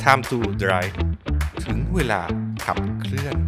Time to Drive ถึงเวลาขับเคลื่อน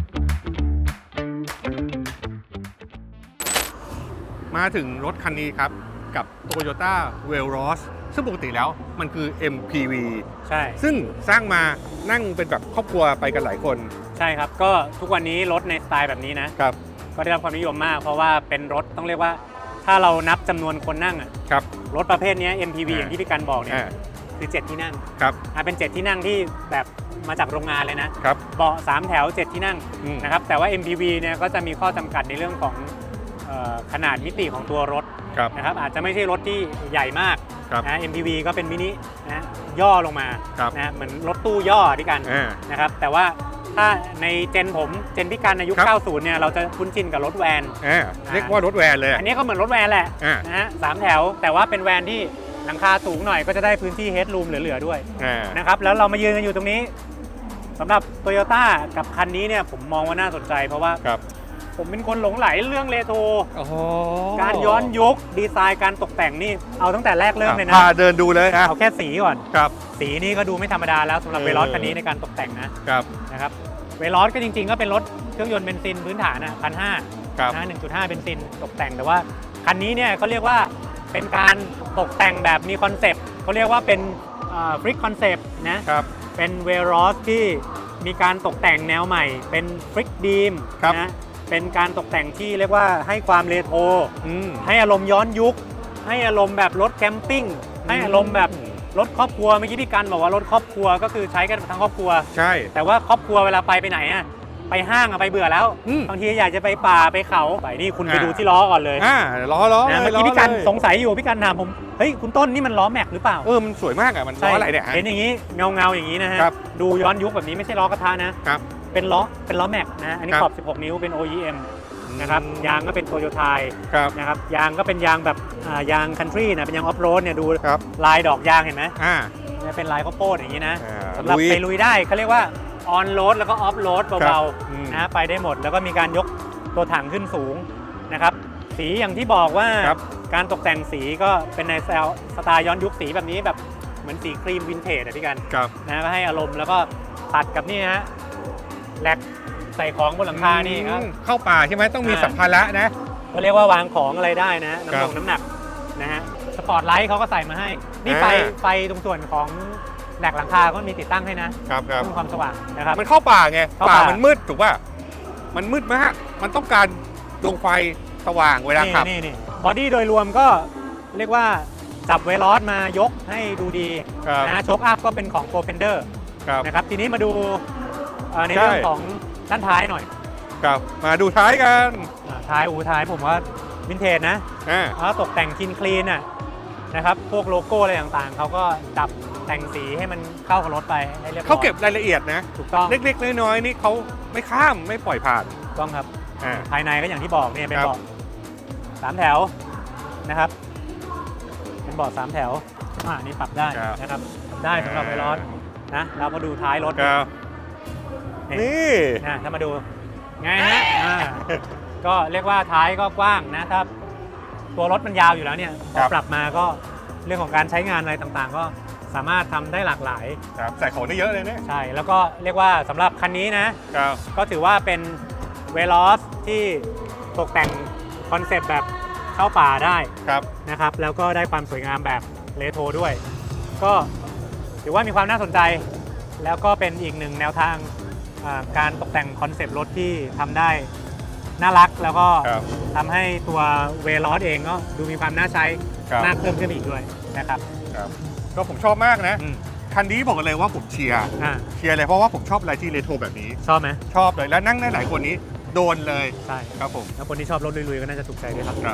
มาถึงรถคันนี้ครับกับ Toyota Veloz ซึ่งปกติแล้วมันคือ MPV ใช่ซึ่งสร้างมานั่งเป็นแบบครอบครัวไปกันหลายคนใช่ครับก็ทุกวันนี้รถในสไตล์แบบนี้นะครับ ก็ได้รับความนิยมมากเพราะว่าเป็นรถต้องเรียกว่าถ้าเรานับจำนวนคนนั่งอ่ะครับรถประเภทนี้ MPV อย่างที่พี่กันบอกเนี่ยคือ7ที่นั่งครับเป็น7ที่นั่งที่แบบมาจากโรงงานเลยนะครับ เบาะ3แถว7ที่นั่งนะนะครับแต่ว่า MPV เนี่ยก็จะมีข้อจำกัดในเรื่องของขนาดมิติของตัวรถครับนะครับอาจจะไม่ใช่รถที่ใหญ่มากครับนะ MPV ก็เป็นมินินะย่อลงมาครับนะเหมือนรถตู้ย่อพี่กัน นะครับแต่ว่าถ้าในเจนผมเจนพี่กันในยุค 90 เนี่ยเราจะคุ้นชินกับรถแวนเรียกว่ารถแวนเลยอันนี้ก็เหมือนรถแวนแหละนะฮะ3แถวแต่ว่าเป็นแวนที่หลังคาสูงหน่อยก็จะได้พื้นที่เฮดรูมเหลือๆด้วยนะครับแล้วเรามายืนกันอยู่ตรงนี้สำหรับ Toyota กับคันนี้เนี่ยผมมองว่าน่าสนใจเพราะว่าผมเป็นคนหลงไหลเรื่องเรโทรการย้อนยุคดีไซน์การตกแต่งนี่เอาตั้งแต่แรกเริ่มเลยนะพาเดินดูเลยเอาแค่สีก่อนครับสีนี่ก็ดูไม่ธรรมดาแล้วสำหรับเวลอสคันนี้ในการตกแต่งนะครับเวลอสก็จริงๆก็เป็นรถเครื่องยนต์เบนซินพื้นฐานนะ1,500นะ1.5 เบนซินตกแต่งแต่ว่าคันนี้เนี่ยเขาเรียกว่าเป็นการตกแต่งแบบมีคอนเซปต์เขาเรียกว่าเป็นฟริกคอนเซปต์นะครับเป็นเวลอสที่มีการตกแต่งแนวใหม่เป็นฟริกดีมนะเป็นการตกแต่งที่เรียกว่าให้ความเรโทรให้อารมณ์ย้อนยุคให้อารมณ์แบบรถแคมปิ้งให้อารมณ์แบบรถครอบครัวเมื่อกี้พี่กันบอกว่ารถครอบครัวก็คือใช้กันทั้งครอบครัวใช่แต่ว่าครอบครัวเวลาไปไหนอะไปห้างอะไปเบื่อแล้วบางทีอยากจะไปป่าไปเขาไปนี่คุณไปดูที่ล้อก่อนเลยล้อเมื่อกี้พี่กันสงสัยอยู่พี่กันถามผมเฮ้ยคุณต้นนี่มันล้อแม็กหรือเปล่ามันสวยมากอะมันล้ออะไรเนี่ยเห็นอย่างนี้เงาอย่างนี้นะฮะดูย้อนยุคแบบนี้ไม่ใช่ล้อกระทะนะครับเป็นล้อแม็กนะอันนี้ขอบ16 นิ้วเป็น OEMนะครับยางก็เป็นโตโยต้านะครับยางก็เป็นยางแบบยางคันทรีนะเป็นยางออฟโรดเนี่ยดูลายดอกยางเห็นไหมเป็นลายข้าวโพดอย่างนี้นะสำหรับไปลุยได้เขาเรียกว่าออนโรดแล้วก็ออฟโรดเบาๆนะไปได้หมดแล้วก็มีการยกตัวถังขึ้นสูงนะครับสีอย่างที่บอกว่าการตกแต่งสีก็เป็นในสไตล์ย้อนยุคสีแบบนี้แบบเหมือนสีครีมวินเทจพี่กันนะก็ให้อารมณ์แล้วก็ตัดกับนี่ฮะแลกใส่ของบนหลังคานี่เข้าป่าใช่ไหมต้องมีสัมภาระนะเขาเรียกว่าวางของอะไรได้นะน้ำหนักนะฮะสปอร์ตไลท์เขาก็ใส่มาให้นี่ไฟตรงส่วนของแหลกหลังคาก็มีติดตั้งให้นะครับเพิ่มความสว่างนะครับมันเข้าป่าไงป่ามันมืดถูกป่ะมันมืดมากมันต้องการดวงไฟสว่างเวลาขับนี่บอดี้โดยรวมก็เรียกว่าจับเวลอสมายกให้ดูดีนะโชคอัพก็เป็นของโปรเฟนเดอร์นะครับทีนี้มาดูในเรื่องของด้านท้ายหน่อยครับมาดูท้ายกันท้ายผมว่าวินเทจนะแล้วตกแต่งคลีนนะครับพวกโลโก้อะไรต่างๆเขาก็ดับแต่งสีให้มันเข้ากับรถไปให้เรียบร้อยเขาเก็บรายละเอียดนะถูกต้องเล็กๆน้อยๆนี่เขาไม่ข้ามไม่ปล่อยผ่านถูกต้องครับภายในก็อย่างที่บอกเนี่ยเป็นเบาะ3 แถวนะครับเป็นเบาะ3 แถวนี่ปรับได้นะครับได้สำหรับเวลอสนะเราก็ดูท้ายรถนี่ถ้ามาดูไงฮะก็เรียกว่าท้ายก็กว้างนะถ้าตัวรถมันยาวอยู่แล้วเนี่ยพอปรับมาก็เรื่องของการใช้งานอะไรต่างๆก็สามารถทำได้หลากหลายใส่ของได้เยอะเลยเนี่ยใช่แล้วก็เรียกว่าสำหรับคันนี้นะก็ถือว่าเป็นเวลอสที่ตกแต่งคอนเซปต์แบบเข้าป่าได้นะครับแล้วก็ได้ความสวยงามแบบเรโทรด้วยก็ถือว่ามีความน่าสนใจแล้วก็เป็นอีกหนึ่งแนวทางการตกแต่งคอนเซปต์รถที่ทำได้น่ารักแล้วก็ทำให้ตัวเวลอสเองก็ดูมีความน่าใช้มากเพิ่มขึ้นอีกด้วยนะครับก็ผมชอบมากนะคันนี้บอกเลยว่าผมเชียร์เลยเพราะว่าผมชอบอะไรที่เรโทรแบบนี้ชอบไหมชอบเลยแล้วนั่งได้หลายคนนี้โดนเลยใช่ครับผมแล้วคนที่ชอบรถลุยๆก็น่าจะถูกใจด้วยครับ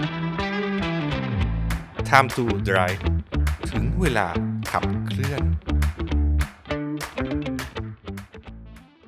Time to Drive ถึงเวลาขับเคลื่อน